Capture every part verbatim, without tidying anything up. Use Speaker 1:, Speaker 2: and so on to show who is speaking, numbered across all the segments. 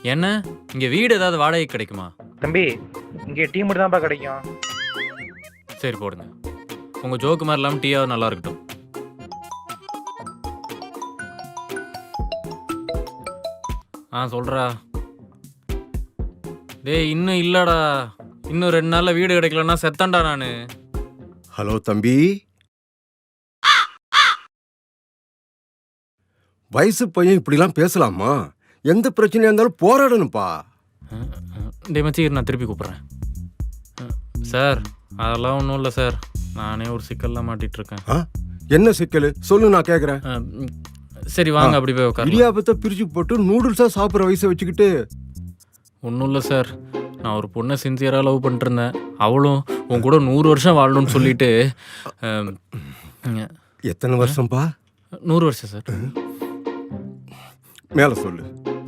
Speaker 1: என்ன இங்கே வீடு ஏதாவது வாடகை கிடைக்குமா?
Speaker 2: தம்பி இங்கே டீ மட்டும் தான்ப்பா கிடைக்கும்.
Speaker 1: சரி போடுங்க. உங்கள் ஜோக்கு மாதிரி இல்லாமல் டீயாவது நல்லா இருக்கட்டும். ஆ சொல்கிறா. டேய் இன்னும் இல்லைடா, இன்னும் ரெண்டு நாளில் வீடு கிடைக்கலன்னா செத்தண்டா நான்.
Speaker 3: ஹலோ தம்பி, வயசு பையன் இப்படிலாம் பேசலாமா? எந்த பிரச்சனையா இருந்தாலும் போராடணும்ப்பா.
Speaker 1: டே மச்சி நான் திருப்பி கூப்பிட்றேன். சார் அதெல்லாம் ஒன்றும் இல்லை சார், நானே ஒரு சிக்கல்லாம் மாட்டிட்டு இருக்கேன்.
Speaker 3: ஆ? என்ன சிக்கல் சொல்லு, நான் கேட்குறேன்.
Speaker 1: சரி வாங்க அப்படி போய் உட்காரு.
Speaker 3: இடியாப்பத்தை பிரிச்சு போட்டு நூடுல்ஸாக சாப்பிட்ற வயசை வச்சுக்கிட்டு.
Speaker 1: ஒன்றும் இல்லை சார், நான் ஒரு பொண்ணை சின்சியராக லவ் பண்ணிட்டு இருந்தேன். அவளும் உன் கூட நூறு வருஷம் வாழணும்னு சொல்லிட்டு.
Speaker 3: எத்தனை வருஷம்ப்பா?
Speaker 1: நூறு வருஷம் சார்.
Speaker 3: மேலே சொல்லு.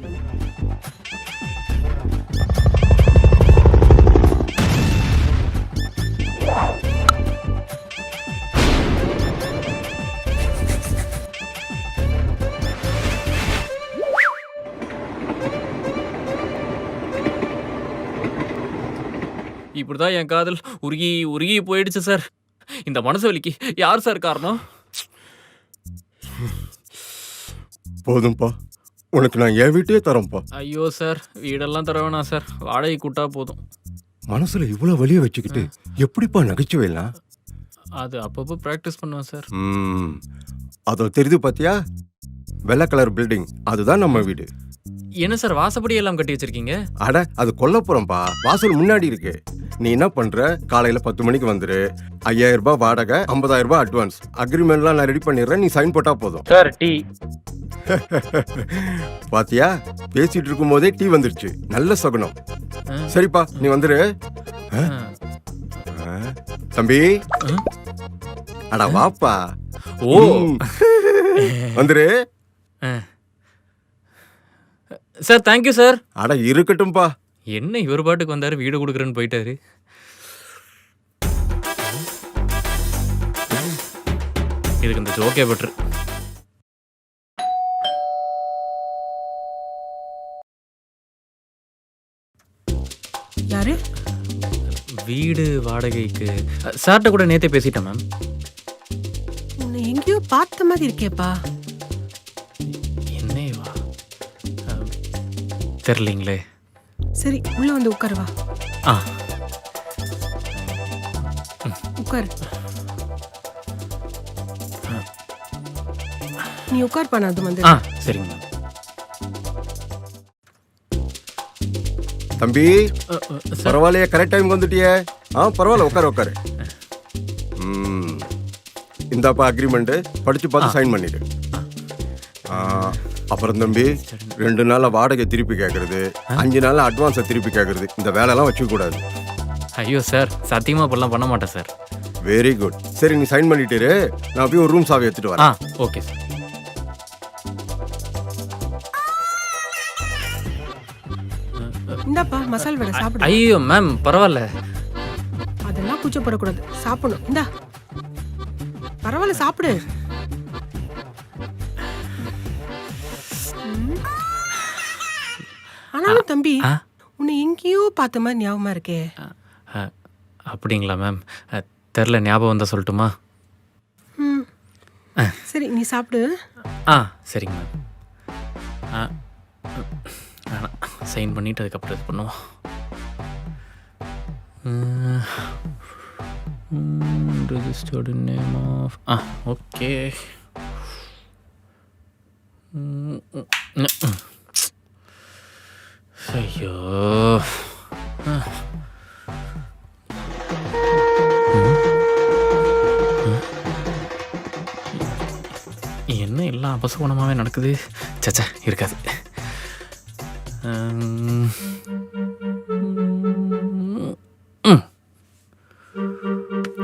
Speaker 1: இப்படிதான் என் காதல் உருகி உருகி போயிடுச்சு சார். இந்த மனசு வலிக்கு யார் சார் காரணம்?
Speaker 3: போதும்பா, உனக்கு நான் என் வீட்டையே தரேன்ப்பா.
Speaker 1: ஐயோ சார், வீடெல்லாம் தர வேணாம் சார், வாடகை கூட்டா போதும்.
Speaker 3: மனசுல இவ்வளவு வலிய வச்சுக்கிட்டு எப்படிப்பா நகைச்சுவைலாம்?
Speaker 1: அது அப்பப்போ ப்ராக்டிஸ் பண்ணுவேன் சார்.
Speaker 3: ம், அதோ தெரியுது பாத்தியா, வெள்ளை கலர் பில்டிங், அதுதான் நம்ம வீடு.
Speaker 1: என்ன சார் வாசப்படி எல்லாம் கட்டி வச்சிருக்கீங்க?
Speaker 3: அட அது கொல்லப்புறம்பா, வாசல் முன்னாடி இருக்கு. நீ என்ன பண்ற, காலையில பத்து மணிக்கு வந்துரு. ஐயாயிரம் ரூபாய் வாடகை, ஐம்பதாயிரம் ரூபாய் அட்வான்ஸ். அக்ரிமெண்ட்லாம் நான் ரெடி பண்ணிடுறேன், நீ சைன் போட்டா போதும்.
Speaker 2: Sir tea.
Speaker 3: பாத்தியா, பேசிட்டு இருக்கும் போதே டீ வந்துருச்சு, நல்ல சகுனம். சரிப்பா நீ வந்துரு. தம்பி அட வாப்பா.
Speaker 1: ஓ
Speaker 3: வந்துரு
Speaker 1: சார். Thank you sir.
Speaker 3: அட இருக்கட்டும்பா.
Speaker 1: என்ன இவர் பாட்டுக்கு வந்தாரு, வீடு கொடுக்குறேன்னு போயிட்டாரு. இதுக்கு இந்த ஜோக்கே பெட்ரு.
Speaker 4: யாரு?
Speaker 1: வீடு வாடகைக்கு சார்ட்ட கூட நேத்தே பேசிட்டேன் மேம்.
Speaker 4: உன்னை எங்கேயோ பார்த்த மாதிரி இருக்கேப்பா.
Speaker 1: என்னைவா தெரியலீங்களே.
Speaker 4: சரி உள்ள வந்து உட்காரு வா.
Speaker 1: ஆ
Speaker 4: உட்காரு. நீ உட்கார் பண்ண அது வந்து.
Speaker 1: ஆ சரிங்க மேம்.
Speaker 3: தம்பி பரவாயில்லையே, கரெக்ட் டைம் வந்துட்டியே. ஆ பரவாயில்ல, உட்காரு உட்காரு. ம், இந்தாப்பா அக்ரிமெண்ட், படிச்சு பார்த்து சைன் பண்ணிடு. அப்புறம் தம்பி, ரெண்டு நாள்ல வாடகை திருப்பி கேட்கறது, அஞ்சு நாள்ல அட்வான்ஸை திருப்பி கேட்கறது, இந்த வேலையெல்லாம் வச்சுக்க கூடாது.
Speaker 1: ஐயோ சார், சத்தியமா இப்பெல்லாம் பண்ண மாட்டேன் சார்.
Speaker 3: Very good. சரி நீ சைன் பண்ணிட்டு, நான் போய் ஒரு ரூம் சாவி எடுத்துட்டு வரேன்.
Speaker 1: ஆ ஓகே சார்.
Speaker 4: இந்தாப்பா மசால் வடை சாப்பிடு.
Speaker 1: ஐயோ மேம் பரவாயில்ல.
Speaker 4: அதெல்லாம் கூச்சப்படக்கூடாது, சாப்பிடணும். இந்தா பரவாயில்ல சாப்பிடு. ஆனாலும் தம்பி உன்னை எங்கேயோ பார்த்த மாதிரி ஞாபகமா இருக்கே.
Speaker 1: அப்படிங்களா மேம்? தெரில, ஞாபகம் வந்தால் சொல்லட்டுமா?
Speaker 4: ம் சரி நீ சாப்பிடு.
Speaker 1: ஆ சரிங்க மேம். ஆ வேணாம், சைன் பண்ணிவிட்டு அதுக்கப்புறம் இது பண்ணுவோம். Registered name of. ஆ ஓகே. ஐயோ என்ன எல்லாம் அபசகுணமாகவே நடக்குது. சச்சா இருக்காது.